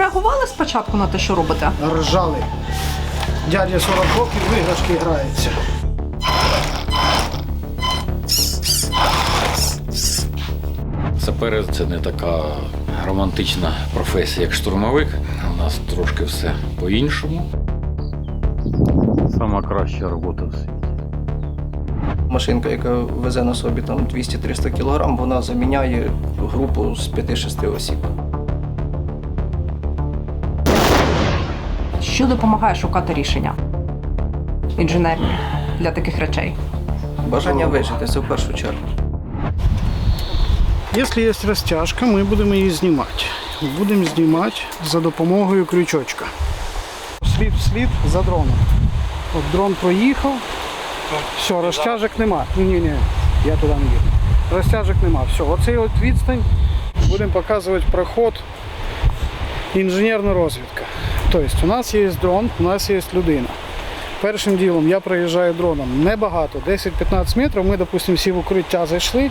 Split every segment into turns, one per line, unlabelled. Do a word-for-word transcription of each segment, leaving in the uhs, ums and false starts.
реагували спочатку на те, що робите?
Ржали. Дядя сорок років в іграшки грається.
Сапери – це не така романтична професія, як штурмовик. У нас трошки все по-іншому. Сама краща робота в світі.
Машинка, яка везе на собі там двісті-триста кілограм, вона заміняє групу з п'яти-шести осіб.
Що допомагає шукати рішення інженерні для таких речей?
Бажання вижити – це в першу чергу.
Якщо є розтяжка, ми будемо її знімати. Будемо знімати за допомогою крючочка. Слід в слід за дроном. От дрон проїхав, все, розтяжок нема. Ні-ні, я туди не їду. Розтяжок нема. Все, оцей от відстань будемо показувати проход, інженерна розвідка. Тобто у нас є дрон, у нас є людина. Першим ділом я проїжджаю дроном небагато, десять-п'ятнадцять метрів, ми, допустимо, всі в укриття зайшли.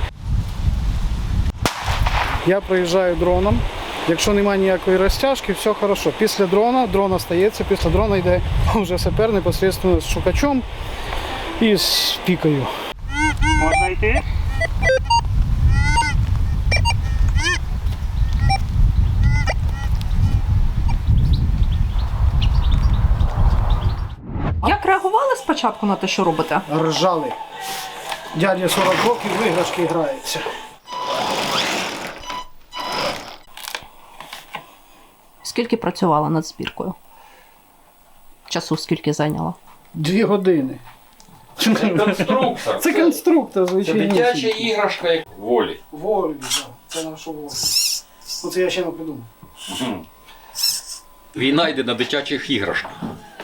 Я проїжджаю дроном, якщо немає ніякої розтяжки, все добре. Після дрона, дрон остається, після дрона йде вже сапер непосередньо з шукачом і з пікою.
Можна йти?
Як реагували спочатку на те, що робите?
Ржали. Дядя сорок років в іграшки грається.
Скільки працювала над збіркою? Часу скільки зайняло?
Дві години.
Це конструктор.
Це конструктор,
Це
звичайно.
дитяча іграшка як волі.
Волі, так. Це наша воля. Оце я ще не придумав.
Війна йде на дитячих іграшках.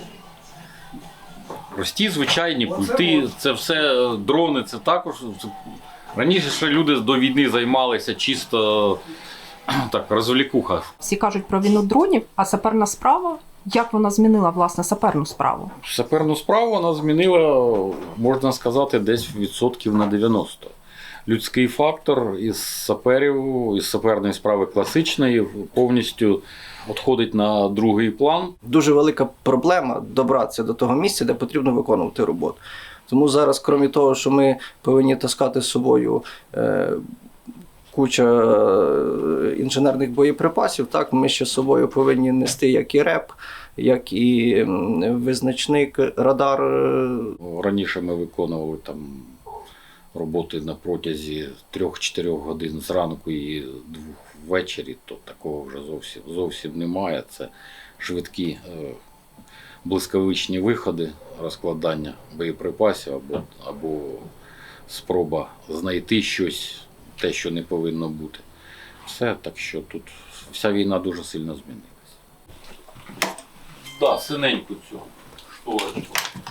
Прості, звичайні пульти, це все дрони, це також. Це... Раніше ще люди до війни займалися чисто так, розвлікуха.
Всі кажуть про війну дронів, а саперна справа, як вона змінила, власне, саперну справу?
Саперну справу вона змінила, можна сказати, десь відсотків на дев'яносто. Людський фактор із саперів, із саперної справи класичної повністю відходить на другий план.
Дуже велика проблема добратися до того місця, де потрібно виконувати роботу. Тому зараз, крім того, що ми повинні таскати з собою е, куча інженерних боєприпасів, так, ми ще з собою повинні нести як і реп, як і визначник, радар.
Раніше ми виконували там роботи на протязі трьох-чотирьох годин зранку і двох ввечері, то такого вже зовсім, зовсім немає. Це швидкі е, блискавичні виходи, розкладання боєприпасів або, або спроба знайти щось, те, що не повинно бути. Все, так що тут вся війна дуже сильно змінилася. Так, да, синеньку цю шторочку.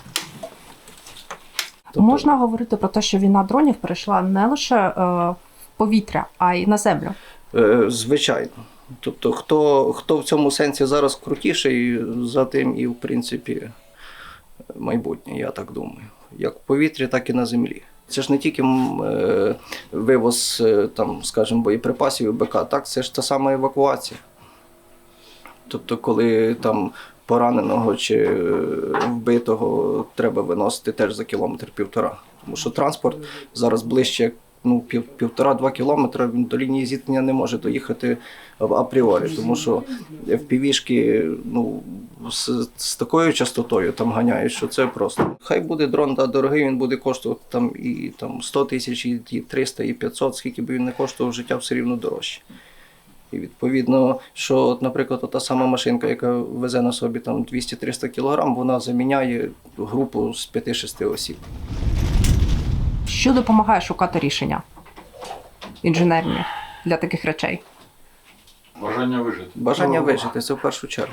Тобто... Можна говорити про те, що війна дронів перейшла не лише е, в повітря, а й на землю?
Е, звичайно. Тобто, хто, хто в цьому сенсі зараз крутіший, за тим і, в принципі, майбутнє, я так думаю. Як в повітрі, так і на землі. Це ж не тільки е, вивоз, е, там, скажімо, боєприпасів і БК, так, це ж та сама евакуація. Тобто, коли там пораненого чи вбитого треба виносити теж за кілометр-півтора. Тому що транспорт зараз ближче, як ну, пів, півтора-два кілометри, він до лінії зіткнення не може доїхати апріорі. Тому що еф пі ві-шки ну, з, з такою частотою там ганяють, що це просто. Хай буде дрон да, дорогий, він буде коштувати там, і там, сто тисяч, і триста, і п'ятсот, скільки б він не коштував, життя все рівно дорожче. І відповідно, що, от, наприклад, та сама машинка, яка везе на собі там двісті-триста кілограм, вона заміняє групу з п'яти-шести осіб.
Що допомагає шукати рішення інженерні для таких речей?
Бажання вижити.
Бажання вижити – це в першу чергу.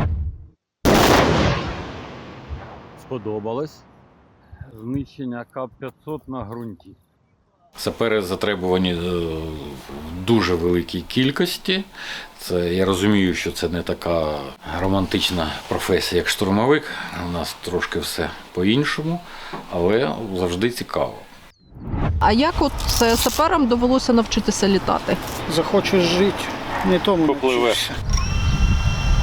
Сподобалось. Знищення К п'ятсот на ґрунті.
Сапери затребувані в дуже великій кількості. Це, я розумію, що це не така романтична професія, як штурмовик. У нас трошки все по-іншому, але завжди цікаво.
А як от саперам довелося навчитися літати?
Захочеш жити, не тому
Попливеш.
навчишся.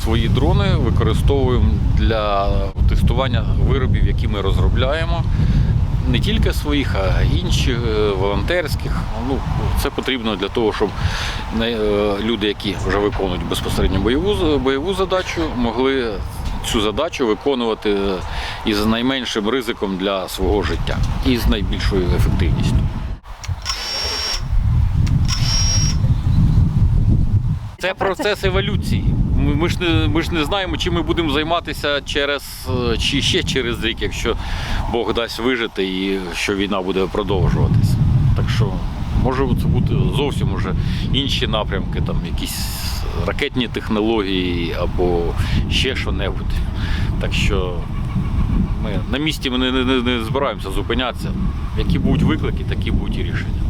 Свої дрони використовуємо для тестування виробів, які ми розробляємо. Не тільки своїх, а й інших, волонтерських. Ну, це потрібно для того, щоб люди, які вже виконують безпосередньо бойову, бойову задачу, могли цю задачу виконувати із найменшим ризиком для свого життя і з найбільшою ефективністю. Це процес еволюції. Ми, ми, ж не, ми ж не знаємо, чим ми будемо займатися через, чи ще через рік, якщо Бог дасть вижити і що війна буде продовжуватися. Так що може це бути зовсім уже інші напрямки, там якісь ракетні технології або ще що-небудь. Так що ми на місці ми не, не, не збираємося зупинятися. Які будуть виклики, такі будуть і рішення.